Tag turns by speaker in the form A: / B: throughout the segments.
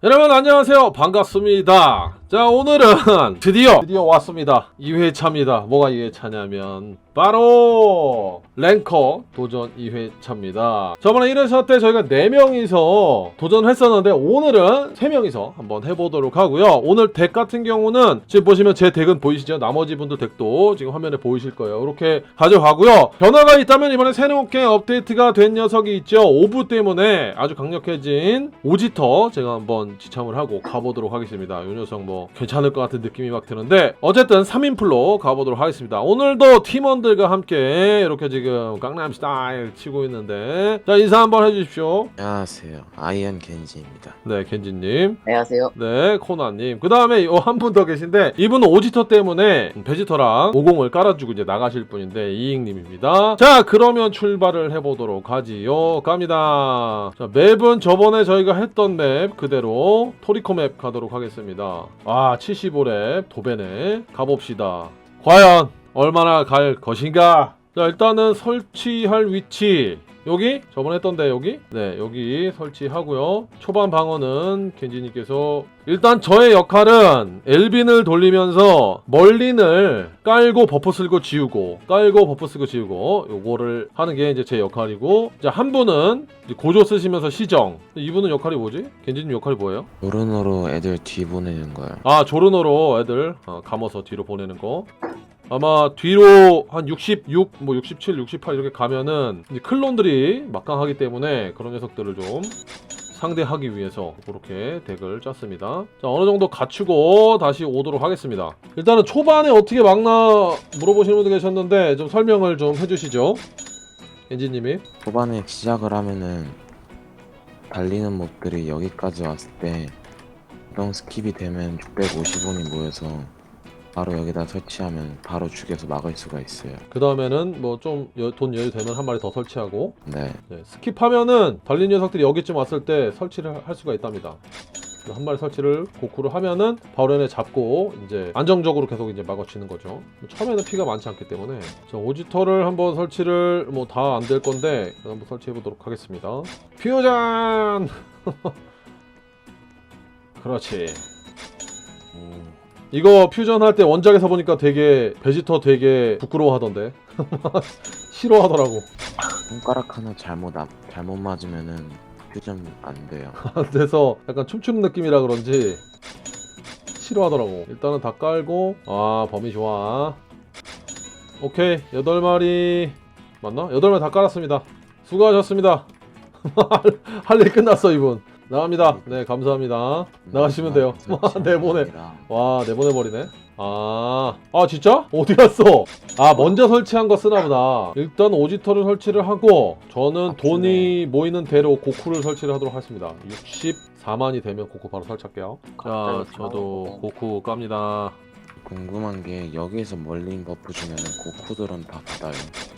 A: 여러분 안녕하세요. 반갑습니다. 자, 오늘은 드디어 왔습니다. 2회차입니다. 뭐가 2회차냐면 바로 랭커 도전 2회차입니다. 저번에 1회차 때 저희가 4명이서 도전을 했었는데 오늘은 3명이서 한번 해보도록 하고요. 오늘 덱 같은 경우는 지금 보시면 제 덱은 보이시죠? 나머지 분들 덱도 지금 화면에 보이실 거예요. 이렇게 가져가고요. 변화가 있다면 이번에 새롭게 업데이트가 된 녀석이 있죠. 오브 때문에 아주 강력해진 오지터 제가 한번 지참을 하고 가보도록 하겠습니다. 이 녀석 뭐 괜찮을 것 같은 느낌이 막 드는데 어쨌든 3인풀로 가보도록 하겠습니다. 오늘도 팀원들과 함께 이렇게 지금 강남 스타일 치고 있는데, 자, 인사 한번 해주십시오.
B: 안녕하세요. 아이언 겐지입니다.
A: 네, 켄지님.
C: 안녕하세요.
A: 네, 코나님. 그 다음에 한 분 더 계신데 이분은 오지터 때문에 베지터랑 50을 깔아주고 이제 나가실 분인데 이익님입니다. 자, 그러면 출발을 해보도록 하지요. 갑니다. 자, 맵은 저번에 저희가 했던 맵 그대로 토리코 맵 가도록 하겠습니다. 75렙 도배네. 가봅시다. 과연 얼마나 갈 것인가? 자, 일단은 설치할 위치 여기? 저번에 했던데 여기? 네, 여기 설치하고요. 초반 방어는 켄지님께서 일단 저의 역할은 엘빈을 돌리면서 멀린을 깔고 버프 쓰고 지우고 깔고 버프 쓰고 지우고 요거를 하는 게 이제 제 역할이고, 자, 한 분은 이제 고조 쓰시면서 시정. 이분은 역할이 뭐지? 켄지님 역할이 뭐예요?
B: 노른으로 애들 뒤 보내는 거요.
A: 조르노로 애들 감아서 뒤로 보내는 거. 아마 뒤로 한 66, 뭐 67, 68 이렇게 가면은 이제 클론들이 막강하기 때문에 그런 녀석들을 좀 상대하기 위해서 그렇게 덱을 짰습니다. 자, 어느 정도 갖추고 다시 오도록 하겠습니다. 일단은 초반에 어떻게 막나 물어보시는 분들 계셨는데 좀 설명을 좀 해주시죠. 엔지님이.
B: 초반에 시작을 하면은 달리는 몹들이 여기까지 왔을 때 이동 스킵이 되면 650원이 모여서 바로 여기다 설치하면 바로 죽여서 막을 수가 있어요.
A: 그 다음에는 뭐 좀 돈 여유 되면 한 마리 더 설치하고,
B: 네.
A: 네, 스킵하면은 달린 녀석들이 여기쯤 왔을 때 설치를 할 수가 있답니다. 한 마리 설치를 고쿠를 하면은 바로 얘네 잡고 이제 안정적으로 계속 이제 막아치는 거죠. 처음에는 피가 많지 않기 때문에. 자, 오지터를 한번 설치를 뭐 다 안 될 건데 한번 설치해 보도록 하겠습니다. 퓨전. 그렇지. 이거 퓨전 할 때 원작에서 보니까 되게 베지터 되게 부끄러워하던데. 싫어하더라고.
B: 손가락 하나 잘못 맞으면은 퓨전 안 돼요.
A: 그래서 약간 춤추는 느낌이라 그런지 싫어하더라고. 일단은 다 깔고, 범위 좋아. 오케이, 8마리 맞나? 8마리 다 깔았습니다. 수고하셨습니다. 할 일 끝났어 이분. 나갑니다. 네, 감사합니다. 나가시면 돼요. 내보내. 와, 내보내버리네. 진짜? 어디 갔어? 먼저 설치한 거 쓰나보다. 일단 오지터를 설치를 하고 저는 돈이 모이는 대로 고쿠를 설치를 하도록 하겠습니다. 64만이 되면 고쿠 바로 설치할게요. 자, 저도 고쿠 깝니다.
B: 궁금한 게 여기에서 멀린 버프 주면은 고쿠들은 다 받아요.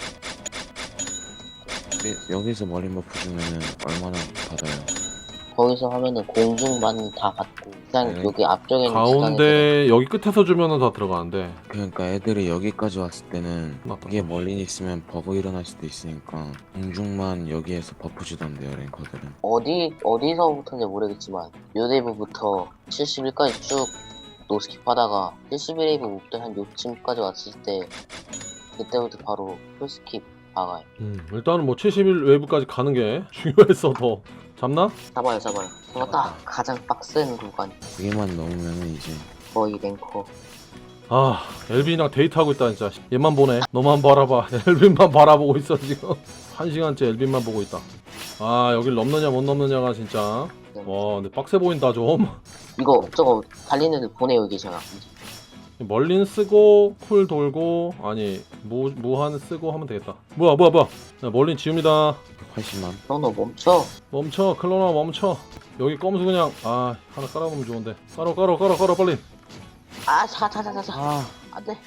B: 여기서 멀린 버프 주면은 얼마나 받아요?
C: 거기서 하면은 공중만 다 받고 일단
B: 네.
C: 여기 앞쪽에 있는
A: 가운데 여기 끝에서 주면은 다 들어가는데.
B: 그러니까 애들이 여기까지 왔을 때는
A: 맞다.
B: 이게 멀리 있으면 버그 일어날 수도 있으니까 공중만 여기에서 버프 주던데요, 랭커들은.
C: 어디서부터인지 모르겠지만 요데이브부터 71까지 쭉 노스킵 하다가 71웨이브 목대 한 요쯤까지 왔을 때 그때부터 바로 풀스킵 박아요.
A: 일단은 뭐 70일 외부까지 가는 게 중요해서 더. 잡나?
C: 잡아요. 그거 딱 가장 빡센 구간.
B: 그게만 넘으면은 이제
C: 거의 랭커.
A: 엘빈이랑 데이트하고 있다 진짜. 얘만 보네. 너만 바라봐. 엘빈만 바라보고 있어 지금. 1시간째 엘빈만 보고 있다. 여길 넘느냐 못 넘느냐가 진짜. 와, 근데 빡세 보인다 좀.
C: 이거 저거 달리는 애들 보내요 이게 제가.
A: 멀린 쓰고 쿨 돌고 무한 쓰고 하면 되겠다. 뭐야. 자, 멀린 지웁니다.
B: 80만.
C: 너 멈춰.
A: 클로나 멈춰. 여기 껌수 그냥 하나 깔아보면 좋은데. 깔아 빨리.
C: 자. 안돼.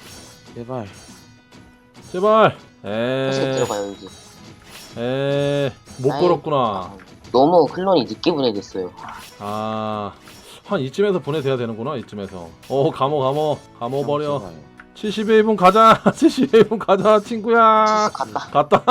B: 제발.
C: 다시 들어가요 여기.
A: 못 걸었구나.
C: 너무 클론이 늦게 분해됐어요.
A: 한 이쯤에서 분해돼야 되는구나. 이쯤에서. 감어 버려. 72분 가자. 72분 가자 친구야. 갔다.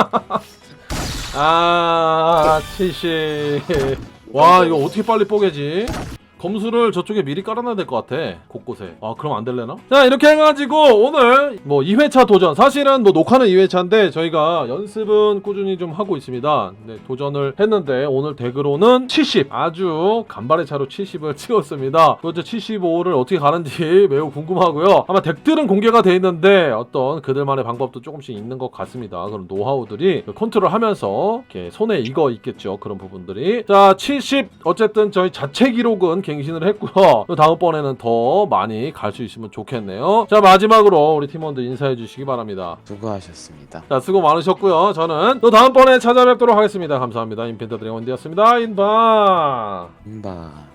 A: 70. 와, 이거 어떻게 빨리 뽀개지? 검수를 저쪽에 미리 깔아놔야 될 것 같아. 곳곳에. 아 그럼 안 될래나? 자 이렇게 해가지고 오늘 뭐 2회차 도전, 사실은 뭐 녹화는 2회차인데 저희가 연습은 꾸준히 좀 하고 있습니다. 네, 도전을 했는데 오늘 덱으로는 70, 아주 간발의 차로 70을 찍었습니다. 도대체 75를 어떻게 가는지 매우 궁금하고요. 아마 덱들은 공개가 돼 있는데 어떤 그들만의 방법도 조금씩 있는 것 같습니다. 그런 노하우들이 컨트롤하면서 이렇게 손에 익어 있겠죠. 그런 부분들이. 자 70, 어쨌든 저희 자체 기록은 갱신을 했고요. 또 다음번에는 더 많이 갈 수 있으면 좋겠네요. 자 마지막으로 우리 팀원들 인사해 주시기 바랍니다.
B: 수고하셨습니다.
A: 자 수고 많으셨고요. 저는 또 다음번에 찾아뵙도록 하겠습니다. 감사합니다. 인펜터 드래곤디였습니다. 인바.
B: 인바.